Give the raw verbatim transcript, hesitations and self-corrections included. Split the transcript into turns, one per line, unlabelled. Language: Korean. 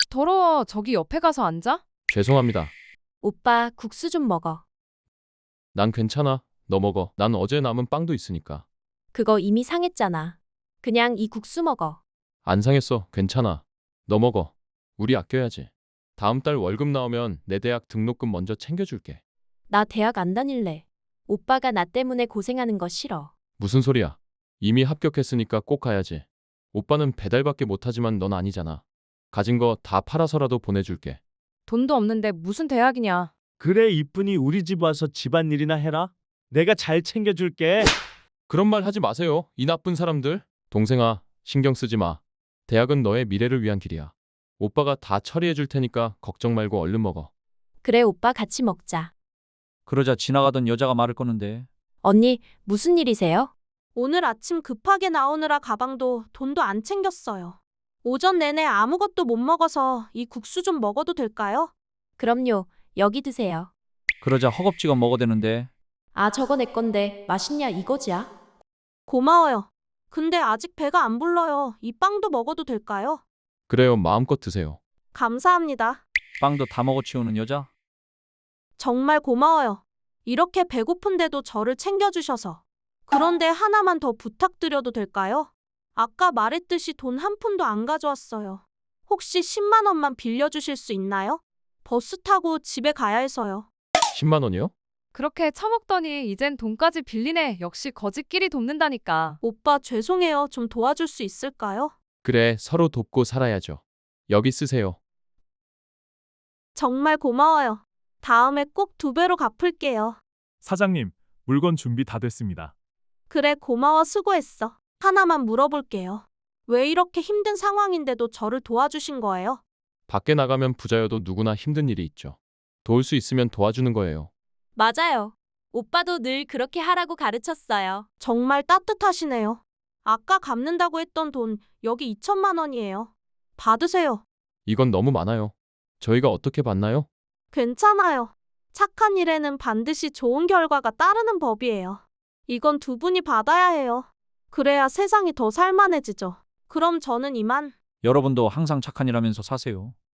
더러워. 저기 옆에 가서 앉아.
죄송합니다.
오빠, 국수 좀 먹어.
난 괜찮아. 너 먹어. 난 어제 남은 빵도 있으니까.
그거 이미 상했잖아. 그냥 이 국수 먹어.
안 상했어. 괜찮아. 너 먹어. 우리 아껴야지. 다음 달 월급 나오면 내 대학 등록금 먼저 챙겨줄게.
나 대학 안 다닐래. 오빠가 나 때문에 고생하는 거 싫어.
무슨 소리야? 이미 합격했으니까 꼭 가야지. 오빠는 배달밖에 못하지만 넌 아니잖아. 가진 거 다 팔아서라도 보내줄게.
돈도 없는데 무슨 대학이냐.
그래 이쁜이 우리 집 와서 집안일이나 해라. 내가 잘 챙겨줄게.
그런 말 하지 마세요. 이 나쁜 사람들. 동생아, 신경 쓰지 마. 대학은 너의 미래를 위한 길이야. 오빠가 다 처리해 줄 테니까 걱정 말고 얼른 먹어.
그래, 오빠 같이 먹자.
그러자 지나가던 여자가 말을 거는데
언니, 무슨 일이세요?
오늘 아침 급하게 나오느라 가방도 돈도 안 챙겼어요. 오전 내내 아무것도 못 먹어서 이 국수 좀 먹어도 될까요?
그럼요. 여기 드세요.
그러자 허겁지겁 먹어대는데
아, 저거 내 건데 맛있냐 이거지야?
고마워요. 근데 아직 배가 안 불러요. 이 빵도 먹어도 될까요?
그래요. 마음껏 드세요.
감사합니다.
빵도 다 먹어치우는 여자.
정말 고마워요. 이렇게 배고픈데도 저를 챙겨주셔서. 그런데 하나만 더 부탁드려도 될까요? 아까 말했듯이 돈 한 푼도 안 가져왔어요. 혹시 십만 원만 빌려주실 수 있나요? 버스 타고 집에 가야 해서요.
십만 원이요?
그렇게 처먹더니 이젠 돈까지 빌리네. 역시 거지끼리 돕는다니까.
오빠 죄송해요. 좀 도와줄 수 있을까요?
그래, 서로 돕고 살아야죠. 여기 쓰세요.
정말 고마워요. 다음에 꼭 두 배로 갚을게요.
사장님, 물건 준비 다 됐습니다.
그래, 고마워. 수고했어. 하나만 물어볼게요. 왜 이렇게 힘든 상황인데도 저를 도와주신 거예요?
밖에 나가면 부자여도 누구나 힘든 일이 있죠. 도울 수 있으면 도와주는 거예요.
맞아요. 오빠도 늘 그렇게 하라고 가르쳤어요.
정말 따뜻하시네요. 아까 갚는다고 했던 돈 여기 이천만 원이에요. 받으세요.
이건 너무 많아요. 저희가 어떻게 받나요?
괜찮아요. 착한 일에는 반드시 좋은 결과가 따르는 법이에요. 이건 두 분이 받아야 해요. 그래야 세상이 더 살만해지죠. 그럼 저는 이만.
여러분도 항상 착한 일 하면서 사세요.